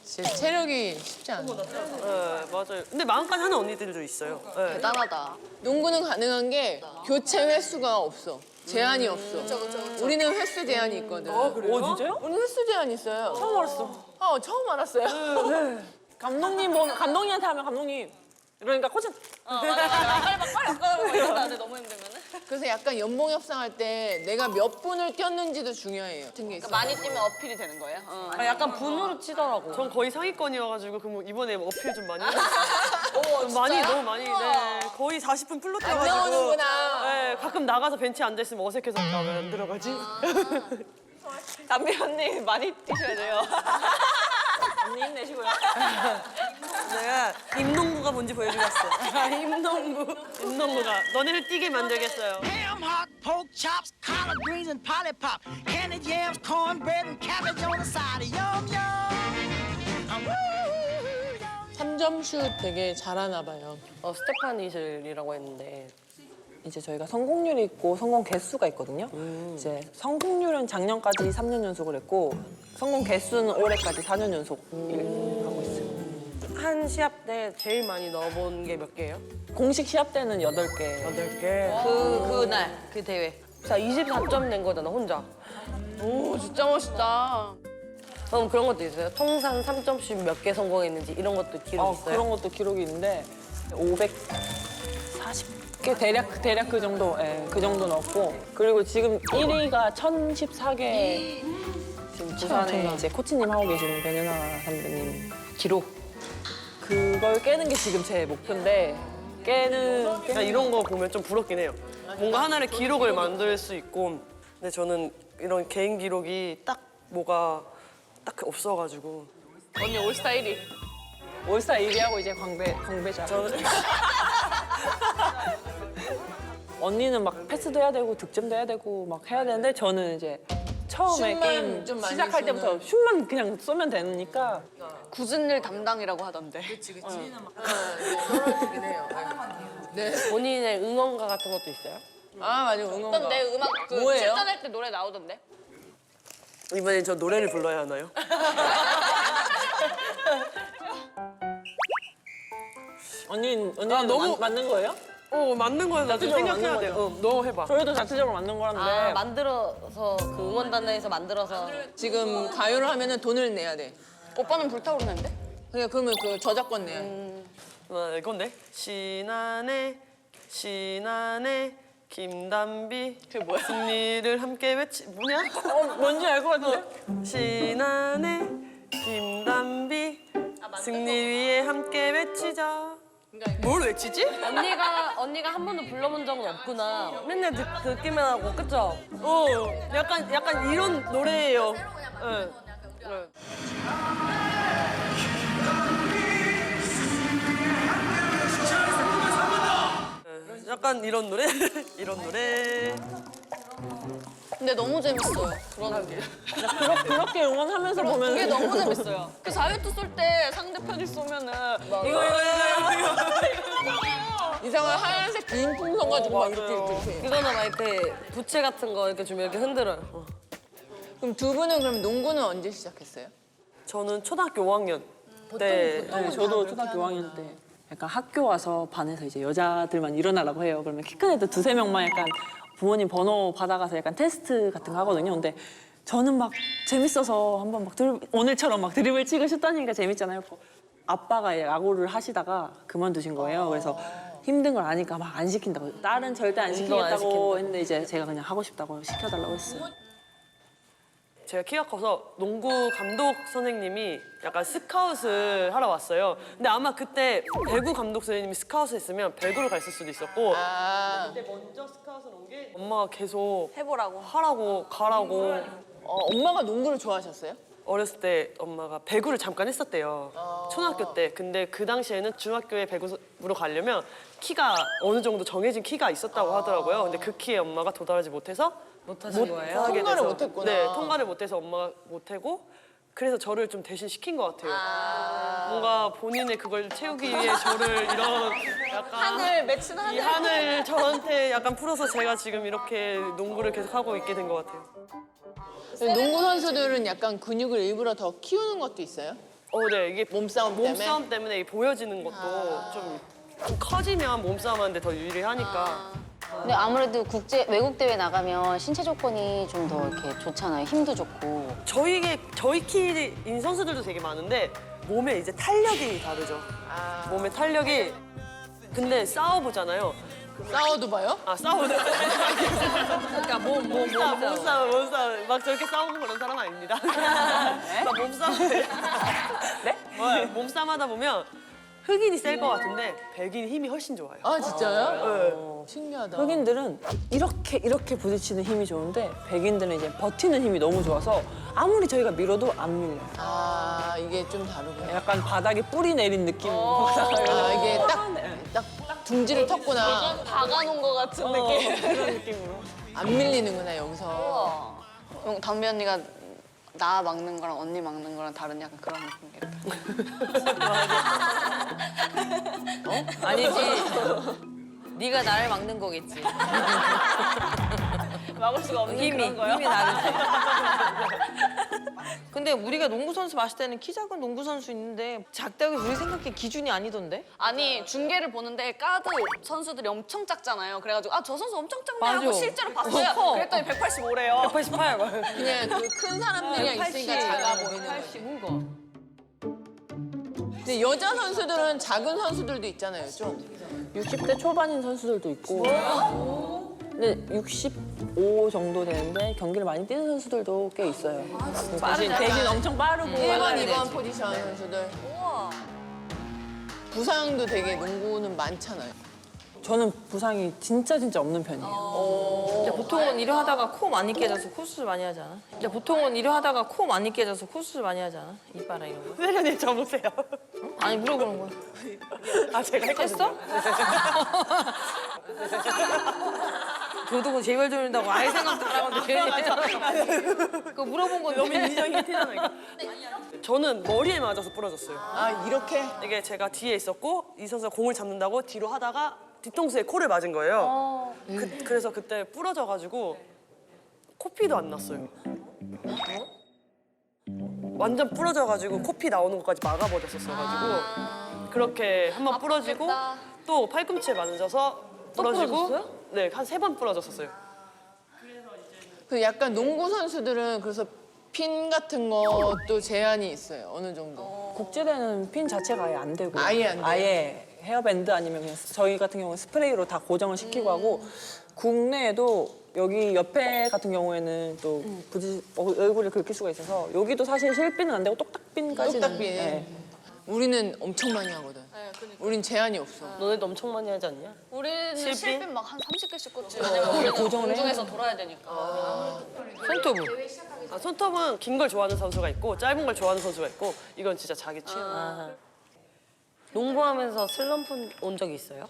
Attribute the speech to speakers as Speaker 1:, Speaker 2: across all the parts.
Speaker 1: 진짜 체력이 쉽지 않아.
Speaker 2: 네, 맞아요. 근데 마음까지 하는 언니들도 있어요. 네.
Speaker 3: 대단하다.
Speaker 1: 농구는 가능한 게 교체 횟수가 없어. 제한이 없어. 우리는 횟수 제한이 있거든.
Speaker 4: 그래요? 진짜요?
Speaker 1: 우리는 횟수 제한이 있어요.
Speaker 4: 처음 알았어.
Speaker 1: 처음 알았어요.
Speaker 4: 감독님 보면 감독님한테 하면 감독님. 그러니까 코치
Speaker 3: 빨리 바꿔달라고 이러는데 너무 힘들면은.
Speaker 1: 그래서 약간 연봉 협상할 때 내가 몇 분을 뛰었는지도 중요해요. 같은 게 있어.
Speaker 3: 많이 뛰면 어필이 되는 거예요?
Speaker 4: 약간 분으로 치더라고.
Speaker 2: 전 거의 상위권이어가지고 그럼 이번에 어필 좀 많이 했어요. 많이 너무 많이. 네. 거의 40분 풀로
Speaker 1: 안
Speaker 2: 뛰어가지고.
Speaker 1: 나오는구나.
Speaker 2: 네, 가끔 나가서 벤치에 앉아 있으면 어색해서 왜 안 들어가지?
Speaker 3: 담비 언니 많이 뛰셔야 돼요.
Speaker 4: 언니 힘내시고요.
Speaker 2: 내가 임농구가 뭔지 보여주겠어. 임농구가 너네를 뛰게 만들겠어요.
Speaker 5: Ham hock, pork chops, collard greens, and polly pop. Candied yams, cornbread, and cabbage on the side. Yum, yum. Woo, yum.
Speaker 1: 3점 슛 되게 잘하나 봐요.
Speaker 6: 스테파니실이라고 했는데
Speaker 4: 이제 저희가 성공률이 있고 성공 개수가 있거든요. 이제 성공률은 작년까지 3년 연속을 했고 성공 개수는 올해까지 4년 연속 하고 있어요.
Speaker 6: 한 시합 때 제일 많이 넣어본 게 몇 개예요?
Speaker 4: 공식 시합 때는 8개.
Speaker 6: 8개.
Speaker 3: 그날 그 대회.
Speaker 6: 자, 24점 낸 거잖아, 혼자.
Speaker 3: 오 진짜 멋있다.
Speaker 6: 그럼 그런 것도 있어요? 통산 3점씩 몇 개 성공했는지 이런 것도 기록 있어요?
Speaker 4: 그런 것도 기록이 있는데 540개 대략 그 정도, 그 정도 넣었고 그리고 지금 1위가 1014개 지금 부산에 이제 코치님 하고 계시는 변연아 선배님 기록 그걸 깨는 게 지금 제 목표인데
Speaker 2: 나 이런 거 보면 좀 부럽긴 해요. 뭔가 하나의 기록을 만들 수 있고 근데 저는 이런 개인 기록이 딱 뭐가 딱 없어가지고
Speaker 3: 언니 올스타 1위.
Speaker 4: 올스타 1위하고 이제 광배자. 언니는 막 패스도 해야 되고 득점도 해야 되고 막 해야 되는데 저는 이제 처음에
Speaker 1: 슛만
Speaker 4: 게임
Speaker 1: 좀 많이
Speaker 4: 시작할 때부터 슛만 그냥 쏘면 되니까
Speaker 3: 굳은 일 담당이라고 하던데.
Speaker 1: 그치. 그렇긴 해요. 네.
Speaker 6: 본인의 응원가 같은 것도 있어요?
Speaker 1: 아, 맞아. 응원가.
Speaker 3: 어떤 내 음악 그
Speaker 1: 뭐예요?
Speaker 3: 출전할 때 노래 나오던데.
Speaker 2: 이번엔 저 노래를 불러야 하나요?
Speaker 4: 언니는
Speaker 2: 너무-
Speaker 4: 맞는 거예요?
Speaker 2: 맞는 거야. 나도
Speaker 4: 자체적으로
Speaker 2: 생각해야
Speaker 4: 맞는
Speaker 2: 돼.
Speaker 4: 거죠.
Speaker 2: 너 해봐.
Speaker 4: 저희도 자체적으로 만든 거라는데
Speaker 6: 만들어서 그 응원단에서 만들어서
Speaker 1: 지금 가요를 하면은 돈을 내야 돼.
Speaker 3: 오빠는 불타오르는데?
Speaker 1: 그러면 그 저작권 내야 돼.
Speaker 2: 이건데 신안에 김담비
Speaker 3: 그게 뭐야?
Speaker 2: 승리를 함께 뭐냐?
Speaker 4: 뭔지 알 것 같은데?
Speaker 2: 신안에 김담비 승리 위에 함께 외치자. 뭘 외치지?
Speaker 6: 언니가 한 번도 불러본 적은 없구나. 맨날 듣기만 하고, 그쵸?
Speaker 2: 약간 이런 노래예요. 약간 이런 노래? 이런 노래.
Speaker 3: 근데 너무 재밌어요. 그런 게.
Speaker 4: 그렇게 응원하면서
Speaker 3: 그게
Speaker 4: 보면
Speaker 3: 너무 재밌어요. 그 자유투 쏠 때 상대편이 쏘면은 이거
Speaker 1: 이상한 하얀색 긴 풍선 가지고 막 이렇게.
Speaker 6: 이거는 막 이렇게 부채 같은 거 이렇게 좀 이렇게 흔들어요.
Speaker 1: 그럼 두 분은 그럼 농구는 언제 시작했어요?
Speaker 2: 저는 초등학교 5학년 때
Speaker 4: 네, 저도 초등학교 5학년 때 약간 학교 와서 반에서 이제 여자들만 일어나라고 해요. 그러면 키 큰 애들 2~3명만 약간 부모님 번호 받아가서 약간 테스트 같은 거 하거든요. 근데 저는 막 재밌어서 한번 막 오늘처럼 막 드리블 치고 슛 던지니까 재밌잖아요. 아빠가 야구를 하시다가 그만두신 거예요. 그래서 힘든 걸 아니까 막 안 시킨다고. 딸은 절대 안 시키겠다고 했는데 이제 제가 그냥 하고 싶다고 시켜달라고 했어요.
Speaker 2: 제가 키가 커서 농구 감독 선생님이 약간 스카웃을 하러 왔어요. 근데 아마 그때 배구 감독 선생님이 스카웃을 했으면 배구를 갔을 수도 있었고 그때 먼저 스카웃을 온 게 엄마가 계속
Speaker 3: 해보라고.
Speaker 2: 하라고 가라고
Speaker 1: 엄마가 농구를 좋아하셨어요?
Speaker 2: 어렸을 때 엄마가 배구를 잠깐 했었대요. 초등학교 때. 근데 그 당시에는 중학교에 배구로 가려면 키가 어느 정도 정해진 키가 있었다고 하더라고요. 근데 그 키에 엄마가 도달하지 못해서
Speaker 6: 못하신 거예요?
Speaker 2: 하게
Speaker 1: 통과를
Speaker 2: 돼서.
Speaker 1: 못했구나.
Speaker 2: 네, 통과를 못해서 엄마가 못하고 그래서 저를 좀 대신 시킨 것 같아요. 뭔가 본인의 그걸 채우기 위해 저를 이런 약간
Speaker 3: 하늘 맺힌
Speaker 2: 이
Speaker 3: 하늘.
Speaker 2: 한을 저한테 약간 풀어서 제가 지금 이렇게 농구를 계속 하고 있게 된 것 같아요.
Speaker 1: 농구 선수들은 약간 근육을 일부러 더 키우는 것도 있어요?
Speaker 2: 네, 이게
Speaker 1: 몸싸움 때문에?
Speaker 2: 몸싸움 때문에 이 보여지는 것도 좀 커지면 몸싸움하는데 더 유리하니까.
Speaker 7: 근데 아무래도 외국 대회 나가면 신체 조건이 좀 더 이렇게 좋잖아요. 힘도 좋고.
Speaker 2: 저희 키인 선수들도 되게 많은데 몸에 이제 탄력이 다르죠. 몸의 탄력이 근데 싸워보잖아요.
Speaker 1: 싸워도 봐요?
Speaker 2: 아 싸우는.
Speaker 6: 그러니까
Speaker 2: 몸싸움. 막 저렇게 싸우고 그런 사람 아닙니다. 막 몸싸움. 네? 몸싸움 하다 보면 흑인이 셀 것 같은데 백인이 힘이 훨씬 좋아요.
Speaker 1: 아 진짜요?
Speaker 2: 네.
Speaker 1: 신기하다.
Speaker 4: 흑인들은 이렇게 부딪히는 힘이 좋은데 백인들은 이제 버티는 힘이 너무 좋아서 아무리 저희가 밀어도 안 밀려요.
Speaker 1: 아 이게 좀 다르구나.
Speaker 4: 약간 바닥에 뿌리 내린 느낌으로.
Speaker 1: 아 이게 딱 둥지를 텄구나.
Speaker 3: 박아놓은 것 같은 느낌.
Speaker 4: 그런 느낌으로.
Speaker 1: 안 밀리는구나 여기서.
Speaker 3: 담비 언니가 나 막는 거랑 언니 막는 거랑 다른 약간 그런 느낌이겠다.
Speaker 6: 아니지. 네가 나를 막는 거겠지.
Speaker 3: 막을 수가 없는
Speaker 6: 힘이 다르지. 근데 우리가 농구 선수 봤을 때는 키 작은 농구 선수 있는데 작다고 우리 생각에 기준이 아니던데?
Speaker 3: 아니 중계를 보는데 가드 선수들이 엄청 작잖아요. 그래가지고 아 저 선수 엄청 작네 하고
Speaker 6: 맞아.
Speaker 3: 실제로 봤어요.
Speaker 6: 커.
Speaker 3: 그랬더니 185래요.
Speaker 6: 188.
Speaker 1: 그냥 그 큰 사람들이랑 있으니까 작아 보이는 거지.
Speaker 6: 80 거.
Speaker 1: 근데 여자 선수들은 작은 선수들도 있잖아요 좀.
Speaker 4: 60대 초반인 선수들도 있고. 근데 65 정도 되는데 경기를 많이 뛰는 선수들도 꽤 있어요. 대신 엄청 빠르고.
Speaker 1: 1번, 2번 포지션 선수들. 부상도 되게 농구는 많잖아요.
Speaker 4: 저는 부상이 진짜 없는 편이에요.
Speaker 6: 근데 보통은 일을 하다가 코 많이 깨져서 코수술 많이 하지 않아? 근데 보통은 일을 하다가 코 많이 깨져서 코수술 많이 하지 않아? 이빨이나 이런 거?
Speaker 2: 세련이 접으세요.
Speaker 6: 아니 물어보는 거야.
Speaker 2: 아 제가 했거든요.
Speaker 6: 도둑은 제발 조린다고 아예 생각도 안 하고 괜히 그거 물어본 건데.
Speaker 2: 너무 인정이 티나니까. 저는 머리에 맞아서 부러졌어요.
Speaker 1: 아 이렇게?
Speaker 2: 이게 제가 뒤에 있었고 이 선수가 공을 잡는다고 뒤로 하다가 뒤통수에 코를 맞은 거예요. 그래서 그때 부러져가지고 코피도 안 났어요. 완전 부러져가지고 코피 나오는 것까지 막아버렸었어가지고 그렇게 한 번 부러지고 또 팔꿈치에 맞아서 부러지고 네, 한 3번 부러졌었어요.
Speaker 1: 그 약간 농구 선수들은 그래서 핀 같은 것도 제한이 있어요 어느 정도.
Speaker 4: 국제대는 핀 자체가 아예 안 되고.
Speaker 1: 아예 안 돼요?
Speaker 4: 아예 헤어밴드 아니면 그냥 저희 같은 경우는 스프레이로 다 고정을 시키고 하고 국내에도 여기 옆에 같은 경우에는 또 얼굴을 긁힐 수가 있어서 여기도 사실 실핀은 안 되고 똑딱핀까지는.
Speaker 1: 똑딱핀.
Speaker 4: 네.
Speaker 1: 우리는 엄청 많이 하거든. 우린 제한이 없어.
Speaker 6: 너네도 엄청 많이 하지 않냐?
Speaker 3: 우리는
Speaker 2: 실핀?
Speaker 3: 실핀 막 한 30개씩 꽂지. 왜냐면 우리는 공중에서 돌아야 되니까.
Speaker 6: 손톱은?
Speaker 2: 아, 손톱은 긴 걸 좋아하는 선수가 있고 짧은 걸 좋아하는 선수가 있고 이건 진짜 자기 취향.
Speaker 6: 농구하면서 슬럼프 온 적이 있어요?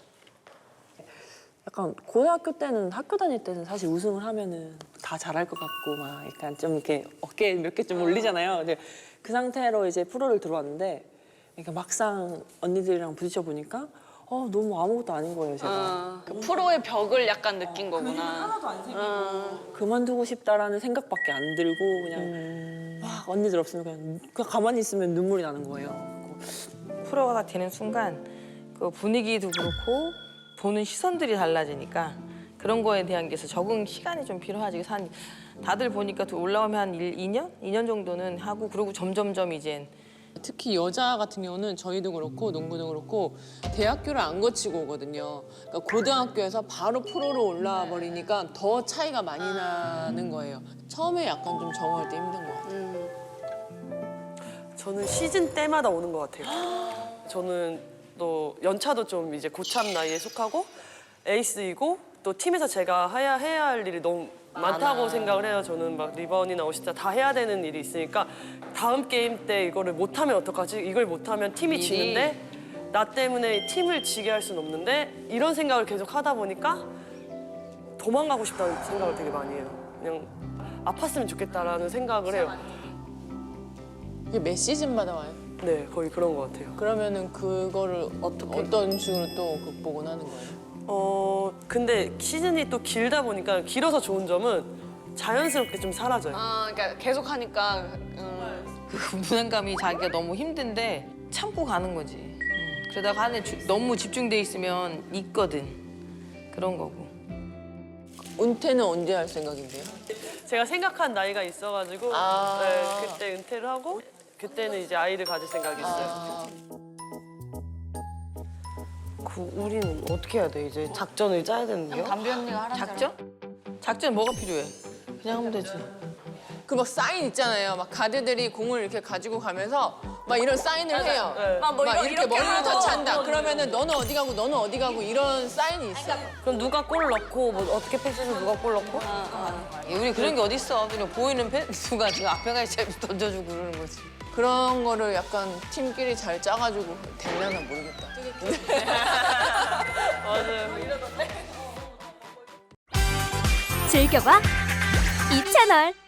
Speaker 4: 약간 고등학교 때는 학교 다닐 때는 사실 우승을 하면은 다 잘할 것 같고 막 약간 좀 이렇게 어깨 몇 개 좀 올리잖아요. 근데 그 상태로 이제 프로를 들어왔는데 그러니까 막상 언니들이랑 부딪혀 보니까 너무 아무것도 아닌 거예요, 제가.
Speaker 3: 그 프로의 벽을 약간 느낀 거구나.
Speaker 4: 하나도 안 생기고 그만두고 싶다라는 생각밖에 안 들고 그냥 막 언니들 없으면 그냥 가만히 있으면 눈물이 나는 거예요.
Speaker 6: 프로가 다 되는 순간 그 분위기도 그렇고 보는 시선들이 달라지니까 그런 거에 대한 게 적응 시간이 좀 필요하지. 그래서 다들 보니까 올라오면 한 2년 정도는 하고 그러고 점점점 이젠
Speaker 1: 특히 여자 같은 경우는 저희도 그렇고 농구도 그렇고 대학교를 안 거치고 오거든요. 그러니까 고등학교에서 바로 프로로 올라와 버리니까 더 차이가 많이 나는 거예요. 처음에 약간 좀 적응할 때 힘든 것 같아요.
Speaker 2: 저는 시즌 때마다 오는 것 같아요. 저는 또 연차도 좀 이제 고참 나이에 속하고 에이스이고 또 팀에서 제가 해야 할 일이 너무 많다고 생각을 해요. 저는 막 리바운이나 어시스트 다 해야 되는 일이 있으니까 다음 게임 때 이거를 못하면 어떡하지? 이걸 못하면 팀이 지는데 나 때문에 팀을 지게 할 수는 없는데 이런 생각을 계속 하다 보니까 도망가고 싶다는 생각을 되게 많이 해요. 그냥 아팠으면 좋겠다라는 생각을 해요.
Speaker 1: 이게 몇 시즌마다 와요?
Speaker 2: 네, 거의 그런 것 같아요.
Speaker 1: 그러면은 그거를 어떤 식으로 또 극복은 하는 거예요?
Speaker 2: 근데 시즌이 또 길다 보니까 길어서 좋은 점은 자연스럽게 좀 사라져요.
Speaker 3: 그러니까 계속 하니까
Speaker 6: 그 부담감이 자기가 너무 힘든데 참고 가는 거지. 그러다가 하는 너무 집중돼 있으면 있거든. 그런 거고.
Speaker 1: 은퇴는 언제 할 생각인데요?
Speaker 2: 제가 생각한 나이가 있어가지고
Speaker 1: 아.
Speaker 2: 네, 그때 은퇴를 하고 그때는 이제 아이를 가질 생각이 있어요. 우리는 어떻게 해야 돼? 이제 작전을 짜야 되는 게요?
Speaker 3: 담비 언니가 하라는
Speaker 6: 작전? 작전 뭐가 필요해? 그냥 하면 되지.
Speaker 1: 그 막 사인 있잖아요. 막 가드들이 공을 이렇게 가지고 가면서 막 이런 사인을 해요.
Speaker 2: 네.
Speaker 1: 막 이렇게 머리를 터치한다. 그러면은 너는 어디 가고 너는 어디 가고 이런 사인이 있어.
Speaker 2: 그럼 누가 골 넣고 뭐 어떻게 패스해서 누가 골 넣고?
Speaker 6: 우리 그런 게 어딨어. 그냥 보이는 누가 지금 앞에 가 있어야 던져주고 그러는 거지.
Speaker 1: 그런 거를 약간 팀끼리 잘 짜가지고 되려나 모르겠다.
Speaker 2: 맞아요.
Speaker 8: 즐겨봐 이 채널.